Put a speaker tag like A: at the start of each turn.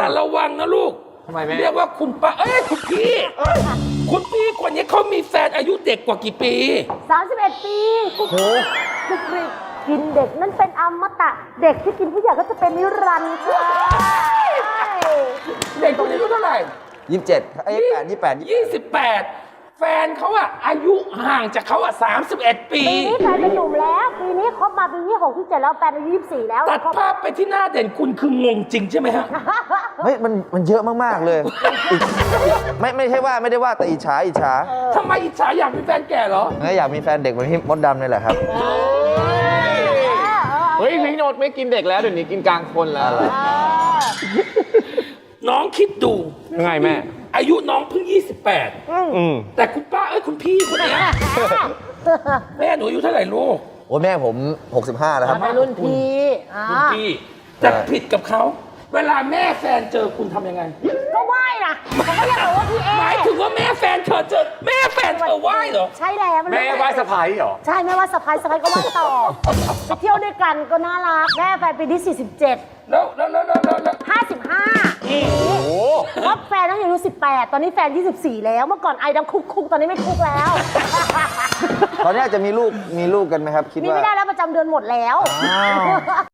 A: ระวังนะลูก
B: ทำไมแม่
A: เรียกว่าคุณป้าคุณพี่คุณพี่คนนี้เขามีแฟนอายุเด็กกว่ากี่ปี
C: 31 ปีโอ้โหกินเด็กนั่นเป็นอมตะเด็กที่กินผู้ใหญ่ก็จะเป็นนิรันดร์ค่ะ
A: เด็กคนนี้อายุเท่าไหร่
D: 27
A: 28แฟนเขาอะอายุห่างจากเขาอะ31 ปี
C: ปีนี้แฟนเป็นหนุ่มแล้วปีนี้คบมาปีนี้6 ที่ 7แล้วแฟนอายุ24แล้ว
A: ตัดภาพไปที่หน้าเด่นคุณคืองงจริงใช่ไหมฮะ
D: เฮ้ยมันเยอะมากๆเลยไม่ใช่ว่าไม่ได้ว่าแต่อิจฉา
A: ทำไมอิจฉาอยากมีแฟนแก่เหรอ
D: อยากมีแฟนเด็กเหมือนพี่มดดำนี่แหละครับ
B: เฮ้ยพี่โนดไม่กินเด็กแล้วเดี๋ยวนี้กินกลางคนแล้ว
A: น้องคิดดู
B: ยังไงแม่
A: อายุน้องเพิ่ง28แต่คุณป้าคุณพี่คนนี้แม่หนูอายุเท่าไหร่ลูก
D: โอ้แม่ผม65แล้วครับ
C: เป็นรุ่นพี่
A: แต่ผิดกับเขาเวลาแม่แฟนเจอคุณทำยังไง
C: ก็ไหว้นะผมก็อยากบอกว่าพี่
A: หมายถึงว่าแม่แฟนเธอเจอแม่แฟนเธอไหว้เหรอ
C: ใช่แล้ว
B: แม่ไหว้สะพ้ายเหรอ
C: ใช่แม่ว่าสะพ้ายก็ไหว้ต่อไปเที่ยวด้วยกันก็น่ารักแม่แฟนปีที่47
A: แล้ว
C: 55โอ้โหคบแฟนตั้งแต่อายุ18ตอนนี้แฟน24แล้วเมื่อก่อนไอ้ดังคุกตอนนี้ไม่คุกแล้ว
D: ตอนนี้จะมีลูกกันไหมครับคิดว่า
C: มีไม่ได้แล้วประจำเดือนหมดแล้ว